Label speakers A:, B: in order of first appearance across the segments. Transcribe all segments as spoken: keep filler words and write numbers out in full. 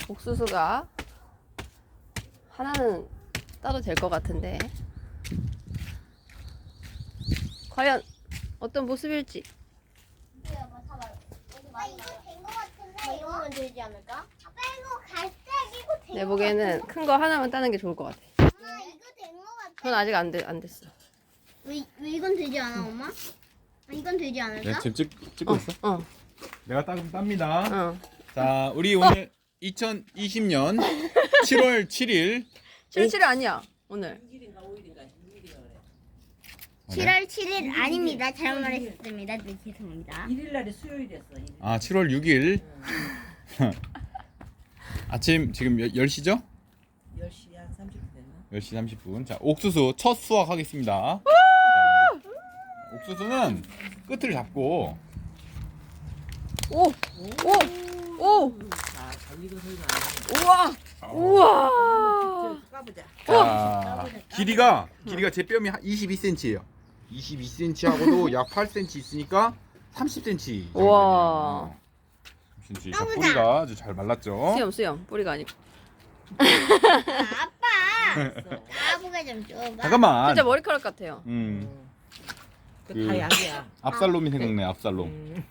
A: 옥수수가 하나는 따도 될 것 같은데 과연 어떤 모습일지.
B: 아빠 이거 된 거 같은데 이거면 되지 않을까? 아빠 이거 갈색이고 된
A: 내
B: 거
A: 보기에는 큰 거 하나만 따는 게 좋을 것 같아.
B: 같아. 엄마 이거 된 거 같아.
A: 전 아직 안, 돼, 안 됐어.
B: 왜, 왜 이건 되지 않아 엄마? 아, 이건 되지 않을까?
C: 네, 지금 찍, 찍고 있어?
A: 어,
C: 내가 따, 땁니다.
A: 어.
C: 자, 우리 오늘 이천이십 년 칠월 칠일
A: 칠칠 아니야 오늘.
B: 칠월 칠일 아닙니다. 잘못 말했습니다. 네, 죄송합니다.
D: 일 일 날이 수요일이었어. 일 일.
C: 아, 칠월 육일 아침 지금 열 시죠?
D: 열 시 한 삼십 분 됐나?
C: 열 시 삼십 분. 자, 옥수수 첫 수확하겠습니다. 자, 옥수수는 끝을 잡고
A: 오, 오, 오,
D: 자, 달리고 소리가
A: 우와, 우와.
D: 안 나. 까보자.
C: 자, 길이가 길이가 제 뺨이 이십이 센티미터예요. 이십이 센티미터하고도 약 팔 센티미터 있으니까 삼십 센티미터.
A: 우와.
C: 삼십 센티미터. 자, 뿌리가 아주 잘 말랐죠?
A: 수염, 수염. 뿌리가 아니고.
B: 아, 아빠 까부가 좀 줘봐.
C: 잠깐만.
A: 진짜 머리카락 같아요.
C: 음,
D: 그
C: 그-
D: 다 약이야.
C: 압살롬이 생각네. 압살롬.
D: 음.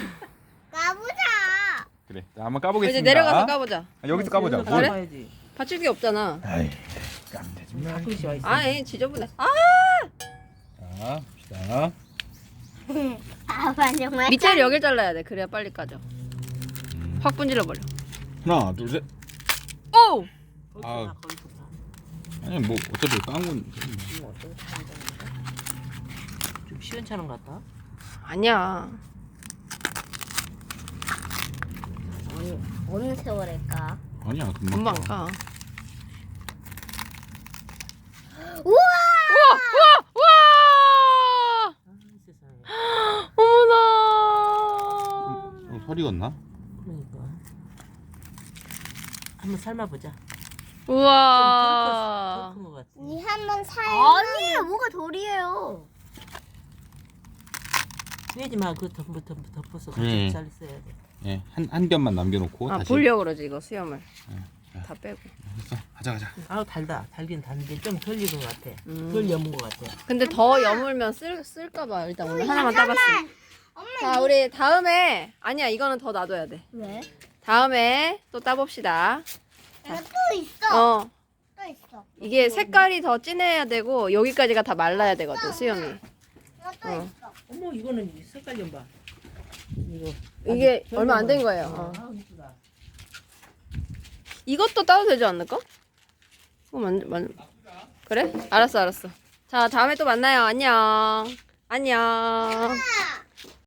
B: 까부자.
C: 그래. 자, 한번 까보겠습니다.
A: 이제 내려가서 까보자.
C: 아, 여기서 까보자.
D: 여기서
C: 뭘?
D: 까봐야지.
A: 받칠 게 없잖아.
C: 아이, 까면 되지. 뭐.
D: 가끔씩 와 있어.
A: 아이, 지저분해. 아,
C: 자, 봅시다.
B: 아빠 정말.
A: 밑에를 여길 잘라야 돼. 그래야 빨리 까져. 확 분질러 버려.
C: 하나, 둘, 셋.
A: 오!
D: 거기서
C: 아.
D: 나, 거기서 나.
C: 아니 뭐 어차피 깐 건.
D: 이거 어쩌고 잘한다. 좀 시원찮은 것 같다.
A: 아니야.
B: 어느, 어느 세월일까?
C: 아니야, 금방.
A: 금방
C: 까.
A: 까.
B: 우와!
A: 우와! 우와! 우와!
D: 아, 세상에.
A: 어머나!
C: 어, 소리 갔나?
D: 그러니까. 한번 삶아보자.
A: 우와!
D: 더큰것 같아.
B: 니 한번 살. 아니에요, 뭐가 돌이에요.
D: 빼지 마. 그거 덮어, 덮어, 덮어서
C: 그래.
D: 같이 잘 써야 돼.
C: 예, 한, 한 겹만 남겨놓고
A: 아,
C: 다시.
A: 보려고 그러지, 이거 수염을.
C: 네.
A: 다 빼고.
C: 됐어, 가자, 가자.
D: 아우 달다. 달긴 단데 좀 덜 익은 것 같아.
A: 음.
D: 덜 여문 것 같아.
A: 근데 더 여물면 쓸, 쓸까봐 일단 오늘 하나만 따봤어.
B: 엄마
A: 자, 우리 다음에, 아니야, 이거는 더 놔둬야 돼.
B: 왜?
A: 다음에 또 따봅시다.
B: 내가 또 있어.
A: 어,
B: 또 있어.
A: 이게 색깔이 더 진해야 되고, 여기까지가 다 말라야 되거든, 수염이.
B: 이거 또
A: 어.
B: 있어.
D: 어머 이거는 이 색깔 좀 봐. 이거
A: 이게
D: 아주
A: 얼마 안 된
D: 별로
A: 거예요.
D: 어.
A: 어.
D: 아, 이쁘다.
A: 이것도 따도 되지 않을까? 어, 만, 만, 그래? 알았어, 알았어. 자, 다음에 또 만나요. 안녕. 안녕.